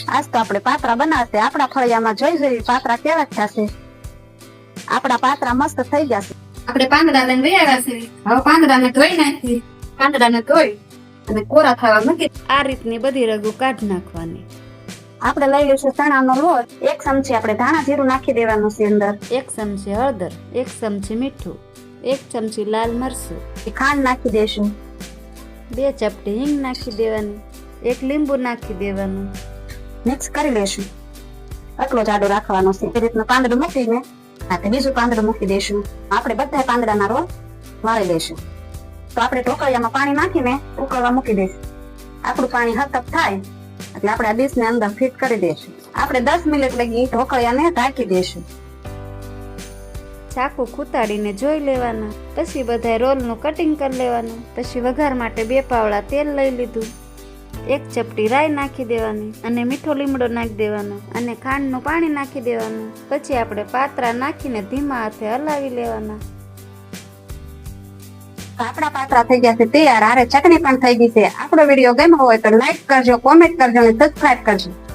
આજ તો આપણે પાત્રા બનાવશે. આપણા ફળિયામાં જોઈ જોઈ પાત્રા કેવા થયા છે. આપણા પાત્રા મસ્ત થઈ ગયા છે. આપણે પાંદડા લઈને વૈયા છે. હવે પાંદડાને ધોઈ નાખી. પાંદડાને ધોઈ અને કોરા થવા મૂકી. આ રીતની બધી રગુ કાઢી નાખવાની. આપણે લઈ લઈશું ચણાનો લોટ. 1 ચમચી આપણે ધાણા જીરું નાખી દેવાનું છે અંદર. 1 ચમચી હળદર, 1 ચમચી મીઠું, 1 ચમચી લાલ મરચું, ખાંડ નાખી દેશું. 2 ચપટી હિંગ નાખી દેવાની, 1 લીંબુ નાખી દેવાનું. મિક્સ કરી લેશું. આટલો જાડો રાખવાનો છે. એ રીતનું પાંદડું મૂકીને આપણે બીજું પાંદડું મૂકી દેશું. આપણે બધા પાંદડાના રોલ વાળી લેશું. તો આપણે ઢોકળિયામાં પાણી નાખીને ઉકળવા મૂકી દઈશું. આપણું પાણી હતપ થાય એટલે આપણે આ ડીશને અંદર ફિટ કરી દઈશું. આપણે 10 મિનિટ લગી ઢોકળિયાને ઢાંકી દઈશું. ચાકુ ખૂતાડીને જોઈ લેવાના. પછી બધા રોલનું કટિંગ કરી લેવાનું. પછી વઘાર માટે 2 પાવડા તેલ લઈ લીધું. 1 ચપટી રાઈ નાખી દેવાની અને મીઠો લીમડો નાખી દેવાનો અને ખાંડનું પાણી નાખી દેવાનું. પછી આપણે પાત્રા નાખીને ધીમા હાથે હલાવી લેવાના. આપણા પાત્રા થઈ ગયા છે તૈયાર. આરે ચટણી પણ થઈ ગઈ છે. આપણો વિડીયો ગમ્યો હોય તો લાઈક કરજો, કોમેન્ટ કરજો અને સબસ્ક્રાઇબ કરજો.